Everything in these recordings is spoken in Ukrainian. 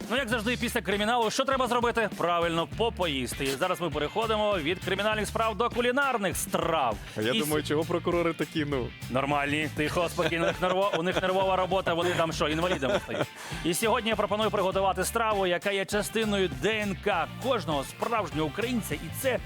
Ну, як завжди, після криміналу, що треба зробити? Правильно, попоїсти. І зараз ми переходимо від кримінальних справ до кулінарних страв. Я думаю, чого прокурори такі, Нормальні, тихо, спокійно, у них нервова робота, вони там що, інвалідами стають. І сьогодні я пропоную приготувати страву, яка є частиною ДНК кожного справжнього українця, і це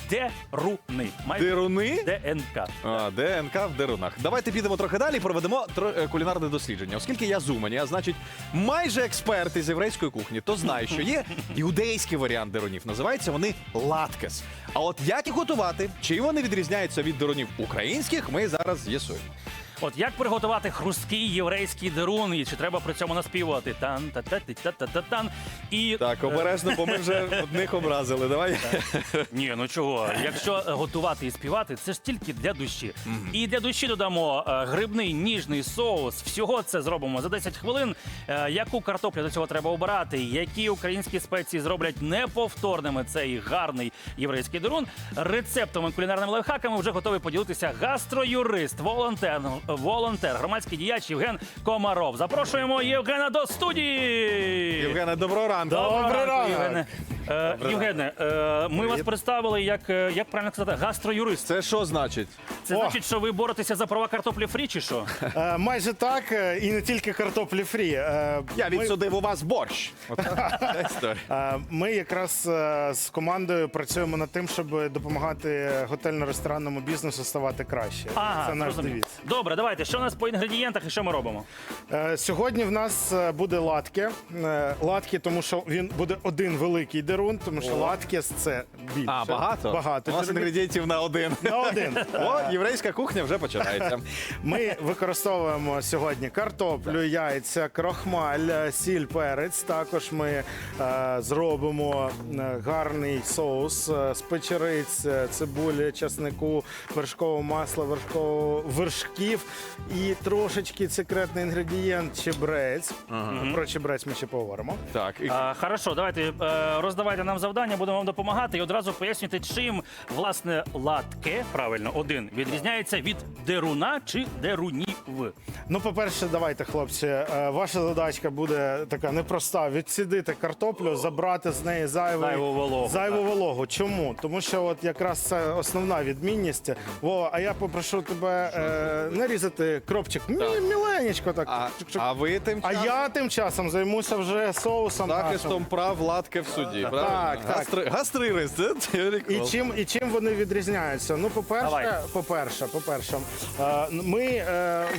деруни. Деруни? ДНК. ДНК в дерунах. Давайте підемо трохи далі і проведемо кулінарне дослідження. Оскільки я з Умані, а значить майже експерт із єврейської кухні, то знаю, що є іудейський варіант дерунів. Називаються вони латкес. А от як їх готувати, чим вони відрізняються від дерунів українських, ми зараз з'ясуємо. От як приготувати хрусткий єврейський дерун, і чи треба при цьому наспівувати тан-та-та-та-та-та-та-тан. І Так, обережно, бо ми вже одних образили. Давай. ні, ну чого? Якщо готувати і співати, це ж тільки для душі. І для душі додамо грибний ніжний соус. Всього це зробимо за 10 хвилин. Яку картоплю до цього треба обирати, які українські спеції зроблять неповторними цей гарний єврейський дерун. Рецептами, кулінарними лайфхаками вже готовий поділитися гастроюрист, волонтер, громадський діяч Євген Комаров. Запрошуємо Євгена до студії! Євгене, доброго ранку. Доброго ранку, Євгене. Євгене, ми вас представили як правильно сказати, гастроюрист. Це що значить? Це значить, що ви боретеся за права картоплі фрі, чи що? Майже так, і не тільки картоплі фрі. Я відсудив у вас борщ. Ця історія. Ми якраз з командою працюємо над тим, щоб допомагати готельно-ресторанному бізнесу ставати краще. Ага, Це наш зрозумів. девіз. Добре, давайте. Що у нас по інгредієнтах і що ми робимо? Сьогодні в нас буде латке. Латке, тому що він буде один великий дерун, тому що латкес – це більше. А, багато? Багато. У нас інгредієнтів на один. На один. О, єврейська кухня вже починається. Ми використовуємо сьогодні картоплю, яйця, крохмаль, сіль, перець. Також ми зробимо гарний соус з печериць, цибулі, часнику, вершкового масла, вершків і трошечки секретний інгредієнт чебрець. Про чебрець ми ще поговоримо. Так, і Хорошо, давайте роздавайте нам завдання, будемо вам допомагати і одразу пояснюйте, чим, власне, латке, правильно, один, відрізняється від деруна чи дерунів. Ну, по-перше, давайте, хлопці, ваша задачка буде така непроста. Відсідити картоплю, забрати з неї зайву вологу. Чому? Тому що от якраз це основна відмінність. Вова, а я попрошу тебе нарізати кропчик міленечко так. а ви тим А часом я тим часом займуся вже соусом нашим. захистом прав латки в суді. правильно? так. Гастририст, це теорія. І чим вони відрізняються? Ну, Давай. по-перше, ми в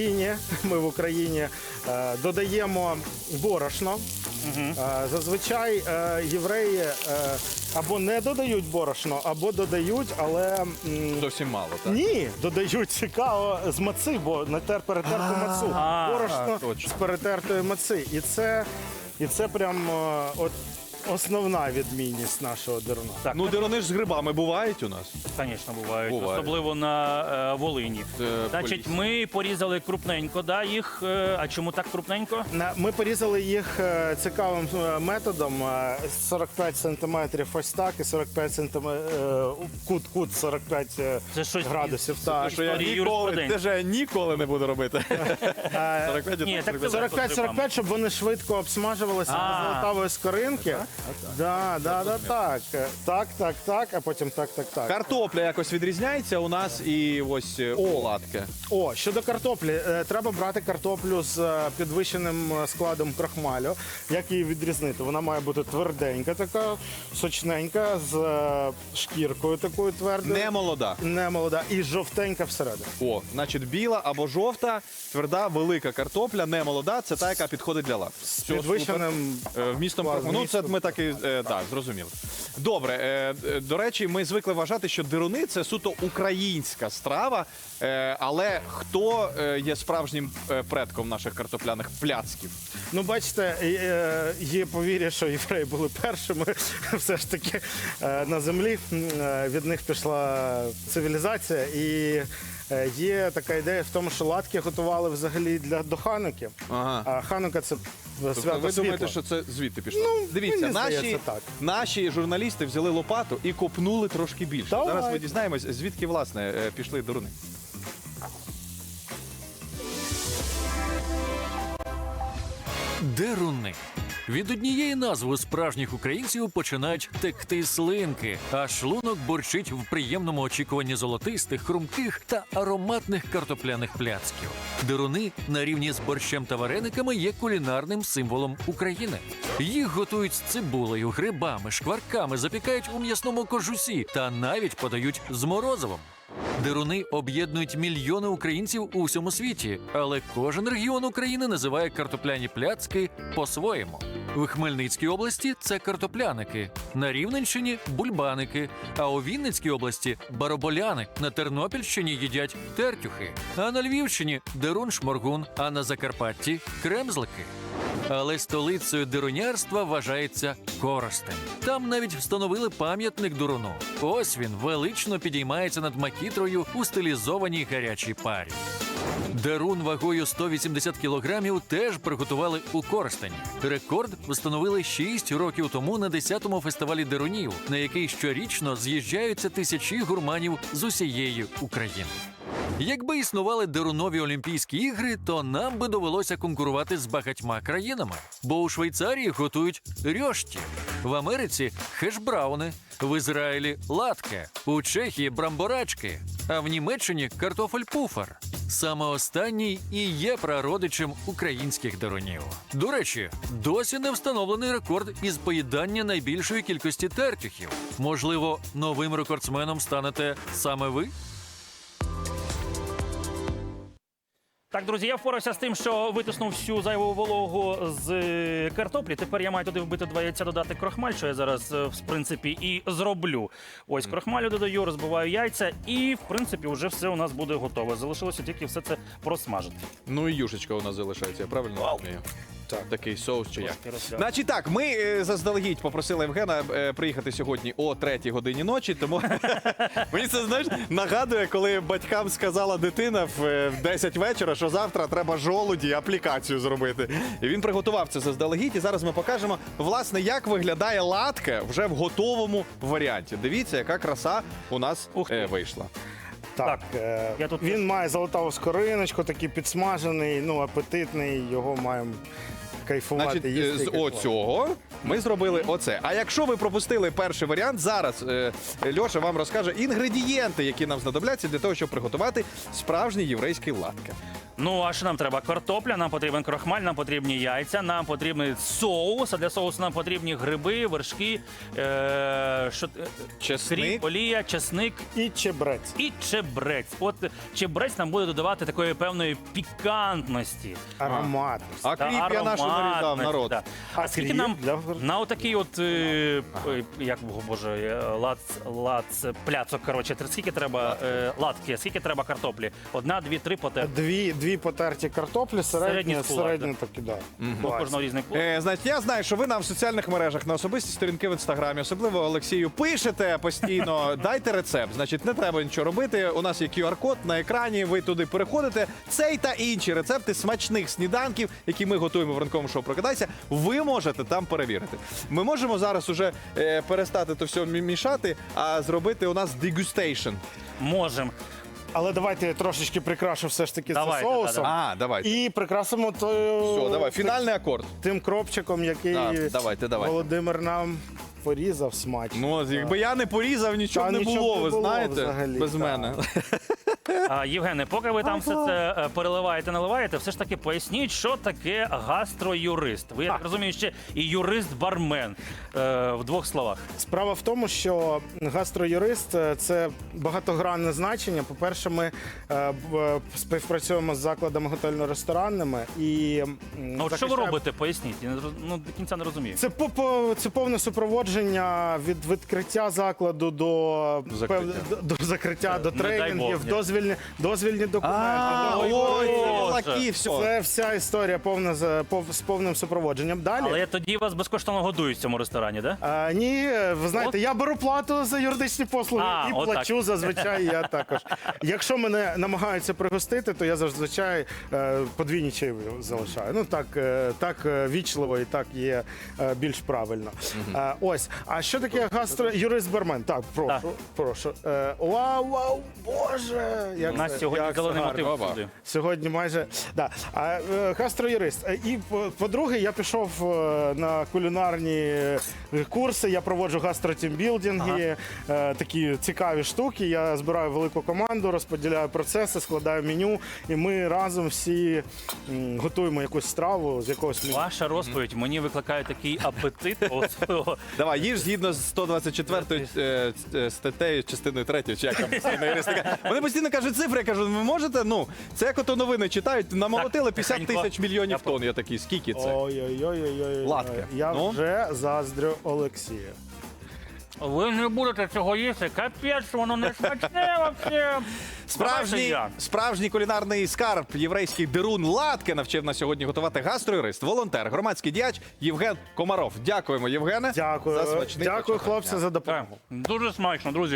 Україні додаємо борошно. Зазвичай євреї або не додають борошно, або додають, але Зовсім мало, так? ні, додають цікаво з маци, бо перетерту мацу. Борошно точно. з перетертої маци. І це прям от основна відмінність нашого деруна. Так, Ну, деруни ж з грибами бувають у нас. звісно, бувають, Бувають. особливо на Волині. Значить, ми порізали крупненько, да, їх. А чому так крупненько? Ми порізали їх цікавим методом. 45 сантиметрів ось так і 45 сантиметрів кут 45 Це щось градусів. Так. Що я Історії ніколи, юриспруденції. це ж я ніколи не буду робити. 45 Ні, так це 45-45, щоб вони швидко обсмажувалися до золотавої скоринки. Так, а потім так. Картопля якось відрізняється у нас і ось латки. Щодо картоплі, треба брати картоплю з підвищеним складом крохмалю. Як її відрізнити? Вона має бути тверденька, така, сочненька, з шкіркою такою твердою. Не молода. І жовтенька всередині. Значить, біла або жовта, тверда, велика картопля, не молода, це та, яка підходить для латки. З підвищеним вмістом крохмалю. Ну, це ми так і зрозуміли. Добре, до речі, ми звикли вважати, що деруни – це суто українська страва, але хто є справжнім предком наших картопляних пляцків? Ну, бачите, є повір'я, що євреї були першими все ж таки на землі. Від них пішла цивілізація і є така ідея в тому, що латки готували взагалі до Хануки. А Ханука – це свято світла. Ви думаєте, що це звідти пішло? Дивіться, мені здається, так. наші журналісти взяли лопату і копнули трошки більше. Давай. Зараз ми дізнаємось, звідки, власне, пішли деруни. Деруни Від однієї назви у справжніх українців починають текти слинки, а шлунок борчить в приємному очікуванні золотистих, хрумких та ароматних картопляних пляцків. Деруни на рівні з борщем та варениками є кулінарним символом України. Їх готують з цибулею, грибами, шкварками, запікають у м'ясному кожусі та навіть подають з морозивом. Деруни об'єднують мільйони українців у всьому світі, але кожен регіон України називає картопляні пляцки по-своєму. В Хмельницькій області це картопляники, на Рівненщині – бульбаники, а у Вінницькій області – бараболяни, на Тернопільщині їдять тертюхи, а на Львівщині – дерун-шморгун, а на Закарпатті – кремзлики. Але столицею дерунярства вважається Коростень. Там навіть встановили пам'ятник Деруну. Ось він велично підіймається над макітрою у стилізованій гарячій парі. Дерун вагою 180 кілограмів теж приготували у Коростені. Рекорд встановили 6 років тому на 10-му фестивалі дерунів, на який щорічно з'їжджаються тисячі гурманів з усієї України. Якби існували дерунові Олімпійські ігри, то нам би довелося конкурувати з багатьма країнами. Бо у Швейцарії готують рьошті, в Америці – хешбрауни, в Ізраїлі – латке, у Чехії – брамборачки, а в Німеччині – картофель-пуфер. Саме останній і є прародичем українських дерунів. До речі, досі не встановлений рекорд із поїдання найбільшої кількості тертюхів. Можливо, новим рекордсменом станете саме ви? Так, друзі, я впорався з тим, що витиснув всю зайву вологу з картоплі. Тепер я маю туди вбити 2 яйця, додати крохмаль, що я зараз, в принципі, і зроблю. Ось крохмалю додаю, розбиваю яйця і, в принципі, вже все у нас буде готове. Залишилося тільки все це просмажити. Ну і юшечка у нас залишається, я правильно розумію? Так. Такий соус чи як? Значить так, ми заздалегідь попросили Євгена приїхати сьогодні о 3-й годині ночі, тому мені це, знаєш, нагадує, коли батькам сказала дитина в 10 вечора, що завтра треба жолуді аплікацію зробити. І він приготував це заздалегідь, і зараз ми покажемо, власне, як виглядає латке вже в готовому варіанті. Дивіться, яка краса у нас вийшла. Так, я тут він має золотаву скориночку, такий підсмажений, ну, апетитний, його маємо кайфувати. Значить, їсти і з кайфувати. оцього ми зробили оце. А якщо ви пропустили перший варіант, зараз Льоша вам розкаже інгредієнти, які нам знадобляться для того, щоб приготувати справжній єврейський латке. Ну, а що нам треба? Картопля, нам потрібен крохмаль, нам потрібні яйця, нам потрібен соус, а для соусу нам потрібні гриби, вершки, Чесник. кріп, олія, чесник І чебрець. і чебрець. От чебрець нам буде додавати такої певної пікантності. Ароматність. А та кріп я нашу нарізав, ароматності, народ. да. А скільки кріп нам для- на отакий от, як, боже, пляцок, коротше, скільки треба латки, скільки треба картоплі? 1, 2, 3 потерти. Дві потерті картоплі, Середній середньо такі, да. У кожного різний кулак. Значить, я знаю, що ви нам в соціальних мережах на особисті сторінки в інстаграмі, особливо Олексію, пишете постійно, дайте рецепт. Значить, не треба нічого робити. У нас є QR-код на екрані. Ви туди переходите. Цей та інші рецепти смачних сніданків, які ми готуємо в ранковому шоу «Прокидайся», ви можете там перевірити. Ми можемо зараз уже перестати то все мішати, а зробити у нас дегустейшн. Можемо. Але давайте я трошечки прикрашу все ж таки Давайте, це соусом. А, давайте. І прикрасимо Все, давай, фінальний акорд. тим кропчиком, який Давайте. Володимир нам порізав смачно. Ну, якби я не порізав, нічого Та не нічого було, б не ви було знаєте, взагалі, без так. мене. Євгене, поки ви там все це переливаєте, наливаєте, все ж таки поясніть, що таке гастроюрист. Ви, я так розумію, ще і юрист-бармен в 2 словах. Справа в тому, що гастроюрист – це багатогранне значення. По-перше, ми співпрацюємо з закладами готельно-ресторанними. І А от що ви робите, поясніть. Я до кінця не розумію. Це повне супроводження від відкриття закладу до закриття, до Не дай тренінгів, Бог, дозвільні документи. Ой, Боже. лаки, все. Це вся історія повна з повним супроводженням. Далі. Але тоді вас безкоштовно годують в цьому ресторані, так? Да? Ні, ви знаєте, я беру плату за юридичні послуги і отак. плачу зазвичай я також. Якщо мене намагаються пригостити, то я зазвичай подвійні чаєві залишаю. Ну так вічливо і так є більш правильно. Ось. А що таке гастроюрист-бармен? Так, прошу. Вау, боже! як У нас це- сьогодні як це зелений гарно. мотив Опа. всюди. Сьогодні майже да. Гастроюрист. І по-друге, я пішов на кулінарні курси. Я проводжу гастротімбілдинги, такі цікаві штуки. Я збираю велику команду, розподіляю процеси, складаю меню, і ми разом всі готуємо якусь страву з якогось меню. Ваша розповідь мені викликає такий апетит. Давай, їж згідно з 124 статтею, частиною 3, чи як там постійно юристика. Вони постійно кажуть цифри, я кажу, ви можете? Ну, це як ото новини читають, намолотили 50 тихенько. тисяч мільйонів тонн. Я такий, скільки це? Ой-ой-ой. Латка. Я Ну? вже заздрю Олексія. Ви не будете цього їсти, капець, воно не смачне вообще. Справжній кулінарний скарб, єврейський дерун Латке навчив нас сьогодні готувати гастроюрист, волонтер, громадський діяч Євген Комаров. Дякуємо, Євгене. Дякую. За смачний Дякую, початок хлопці, дня. за допомогу. Дуже смачно, друзі.